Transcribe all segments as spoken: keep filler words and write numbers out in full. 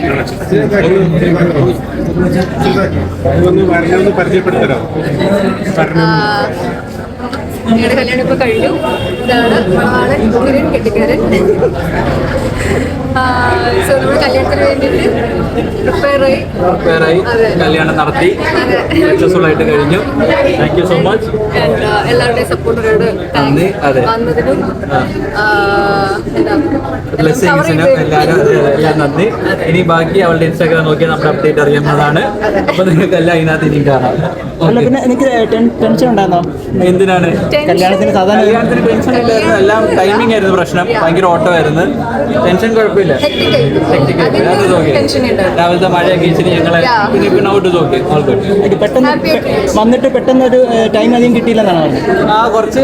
ഒന്ന് പരിചയപ്പെടുത്തരോ? ഞങ്ങളുടെ കല്യാണം ഇപ്പൊ കഴിഞ്ഞു. ഇതാണ് ആളൻ കിരൺ കെട്ടിക്കാരൻ. സോ നമ്മൾ കല്യാണത്തിന് വേണ്ടിയിട്ട് പ്രിപ്പയർ ആയി പ്രിപ്പയർ ആയി കല്യാണം നടത്തി സക്സസ്ഫുൾ ആയിട്ട് കഴിഞ്ഞു. Thank you so much. എല്ലാവരുടെയും സപ്പോർട്ടിനോട് നന്ദി. അതെ, വന്നതിനും ബ്ലെസ്സിങ്സിനും എല്ലാവരും എല്ലാം നന്ദി. ഇനി ബാക്കി അവളുടെ ഇൻസ്റ്റാഗ്രാം നോക്കിയാൽ നമ്മുടെ അപ്ഡേറ്റ് അറിയാവുന്നതാണ്. അപ്പൊ നിങ്ങൾക്ക് എല്ലാം ഇതിനകത്ത് ഇനിയും കാണാം. പിന്നെ എനിക്ക് ടെൻഷൻ ഉണ്ടായിരുന്നോ? എന്തിനാണ് കല്യാണത്തിന്? സാധാരണ കല്യാണത്തിന് ടെൻഷൻ ഇല്ലായിരുന്നു. എല്ലാം ടൈമിംഗ് ആയിരുന്നു പ്രശ്നം. ഭയങ്കര ഓട്ടമായിരുന്നു. ടെൻഷൻ കുഴപ്പമില്ല. അത് നോക്കി രാവിലത്തെ മഴയൊക്കെ ഇച്ചിരി ഞങ്ങളെ ഔട്ട് നോക്കി ഓൾ ഗുഡ്. പെട്ടെന്ന് വന്നിട്ട് പെട്ടെന്ന് ഒരു ടൈം അധികം കിട്ടിയില്ലെന്നാണ് പറഞ്ഞത്. ആ കുറച്ച്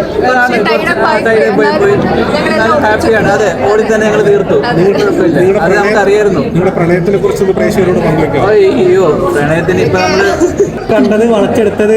ഹാപ്പിയാണ്. അതെ, ഓടി തന്നെ ഞങ്ങൾ തീർത്തു. അത് നമുക്ക് അറിയായിരുന്നു. നിങ്ങളുടെ പ്രണയത്തിനെ കുറിച്ച് പ്രേക്ഷകരോട് പങ്കുവെക്കാം. അയ്യോ, പ്രണയത്തിന് ഇപ്പൊ നമ്മള് കണ്ടത്, വളച്ചെടുത്തത്,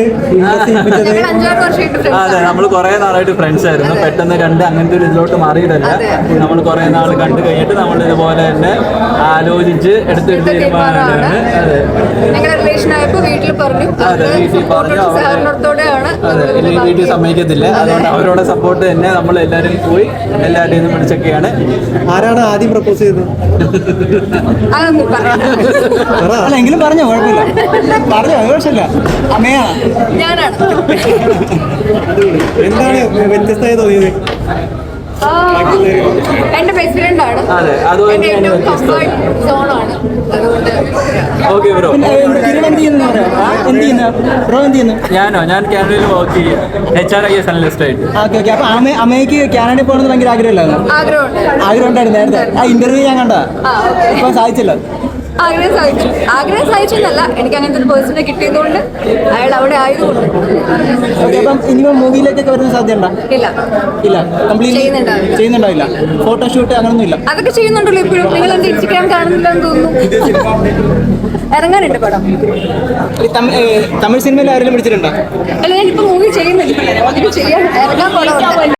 അതെ, നമ്മൾ കുറെ നാളായിട്ട് ഫ്രണ്ട്സ് ആയിരുന്നു. പെട്ടെന്ന് രണ്ട് അങ്ങനത്തെ ഒരു ഇതിലോട്ട് മാറിയിട്ടല്ല. നമ്മൾ കുറെ നാൾ കണ്ടു കഴിഞ്ഞിട്ട് നമ്മൾ ഇതുപോലെ തന്നെ ആലോചിച്ച് എടുത്തൊരു തീരുമാനമാണ്. അതെ, വീട്ടിൽ പറഞ്ഞു. അതെ, വീട്ടിൽ പറഞ്ഞു. അതെ, ഇനി വീട്ടിൽ സമ്മതിക്കത്തില്ല. അതുകൊണ്ട് അവരോട് സപ്പോർട്ട് തന്നെ നമ്മൾ എല്ലാവരും പോയി എല്ലാവരുടെയും നിന്ന് വിളിച്ചൊക്കെയാണ്. ആരാണ് ആദ്യം പ്രപ്പോസ് ചെയ്തത്? അല്ല, എങ്കിലും പറഞ്ഞോ, കുഴപ്പമില്ല, പറഞ്ഞോ, കുഴപ്പമില്ല. അമ്മയാ? ഞാനാണ്. എന്താണ് വ്യത്യസ്തമായി തോന്നിയത്? എന്റെ ബെസ്റ്റ് ഫ്രണ്ട് ആണ്. അതെ, അതുകൊണ്ട് ഏറ്റവും കംഫർട്ട് സോണാണ്. അതുകൊണ്ട് ഓക്കെ ബ്രോ. ഞാനോ? ഞാൻ കാനഡയിൽ വർക്ക് ചെയ്യാം. H R I S analyst ആയിട്ട്. Okay okay. അപ്പൊ അമ്മ അമ്മയ്ക്ക് കാനഡയിൽ പോകണമെന്ന് ഭയങ്കര ആഗ്രഹമില്ലായിരുന്നു? ആഗ്രഹമുണ്ട്. ആഗ്രഹം ഉണ്ടായിരുന്നു നേരത്തെ. ആ ഇന്റർവ്യൂ ഞാൻ കണ്ടാ. ഇപ്പൊ സാധിച്ചല്ലോ. ആഗ്രഹം സാധിച്ചു. ആഗ്രഹം സാധിച്ചെന്നല്ല, എനിക്ക് അങ്ങനത്തെ ഒരു പേഴ്സണെ കിട്ടിയതുകൊണ്ട്, അയാൾ അവിടെ ആയതുകൊണ്ട്. അപ്പം ഇനിയിപ്പോ മൂവിയിലേക്കൊക്കെ വരുന്ന സാധ്യത ഉണ്ടോ? ഇല്ല ഇല്ല, കംപ്ലീറ്റ് ചെയ്യുന്നുണ്ടാവില്ല. ഫോട്ടോഷൂട്ട് അങ്ങനൊന്നും ഇല്ല? അതൊക്കെ ചെയ്യുന്നുണ്ടല്ലോ ഇപ്പോഴും. നിങ്ങൾ എന്റെ ഇൻസ്റ്റഗ്രാം കാണുന്നില്ലെന്ന് തോന്നുന്നു. ഇറങ്ങാനുണ്ട് പടം. തമിഴ് സിനിമയിൽ ആരെങ്കിലും പിടിച്ചിട്ടുണ്ടോ? അല്ല, ഞാനിപ്പോ മൂവി ചെയ്യുന്നില്ല. ചെയ്യാൻ ഇറങ്ങാൻ പടം